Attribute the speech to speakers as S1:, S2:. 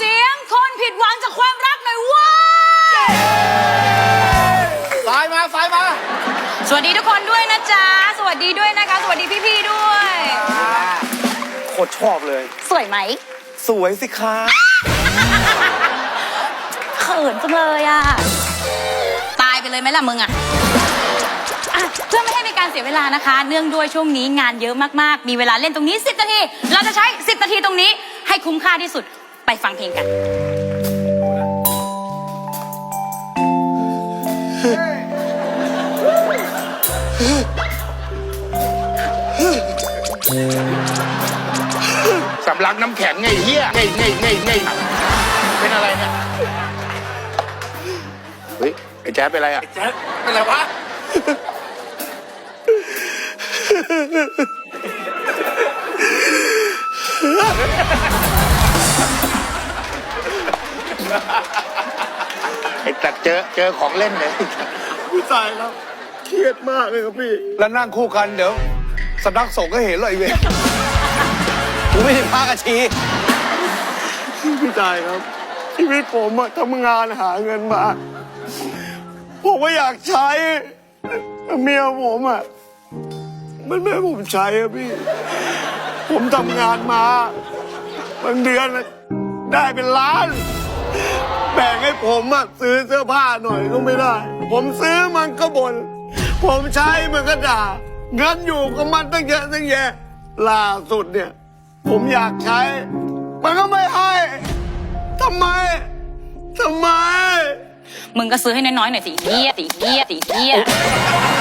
S1: เสียงคนผิดหวังจากความรักหน่อยว้า
S2: สายมาสายมา
S1: สวัสดีทุกคนด้วยนะจ๊ะสวัสดีด้วยนะคะสวัสดีพี่ๆด้วย
S2: โคตรชอบเลย
S1: สวยไหม
S2: สวยสิคะ
S1: เขินจังเลยอ่ะตายไปเลยไหมล่ะมึงอ่ะเพื่อไม่ให้เป็นการเสียเวลานะคะเนื่องด้วยช่วงนี้งานเยอะมากๆมีเวลาเล่นตรงนี้10 นาทีเราจะใช้10 นาทีตรงนี้ให้คุ้มค่าที่สุดไปฟังเพลงกัน
S3: สำลักน้ำแข็งไงเฮียไงเป็นอะไรเนี่ยเฮ้ยไอ้แจ๊บเป็นอะไรอ่ะ
S2: แจ๊คเป็นไรวะ
S3: ไอ้ตัดเจอของเล่นเลย
S2: พี่ตายครับเครียดมากเลยครับพี่แล้วนั่งคู่กันเดี๋ยวสำนักสงฆ์ก็เห็นเลยไอ้เวรกูไม่ได้พากระชีพี่ตายครับชีวิตผมอะทำงานหาเงินมาผมก็อยากใช้เมียผมอะมันไม่ให้ผมใช้อะพี่ผมทำงานมาบางเดือนได้เป็นล้านแบ่งให้ผมอะซื้อเสื้อผ้าหน่อยก็ไม่ได้ผมซื้อมันก็บ่นผมใช้มันก็ด่าเงินอยู่กับมันตั้งเยอะตั้งแยะล่าสุดเนี่ยผมอยากใช้มันก็ไม่ให้ทำไม
S1: มึงก็ซื้อให้น้อยๆหน่อยสิเฮีย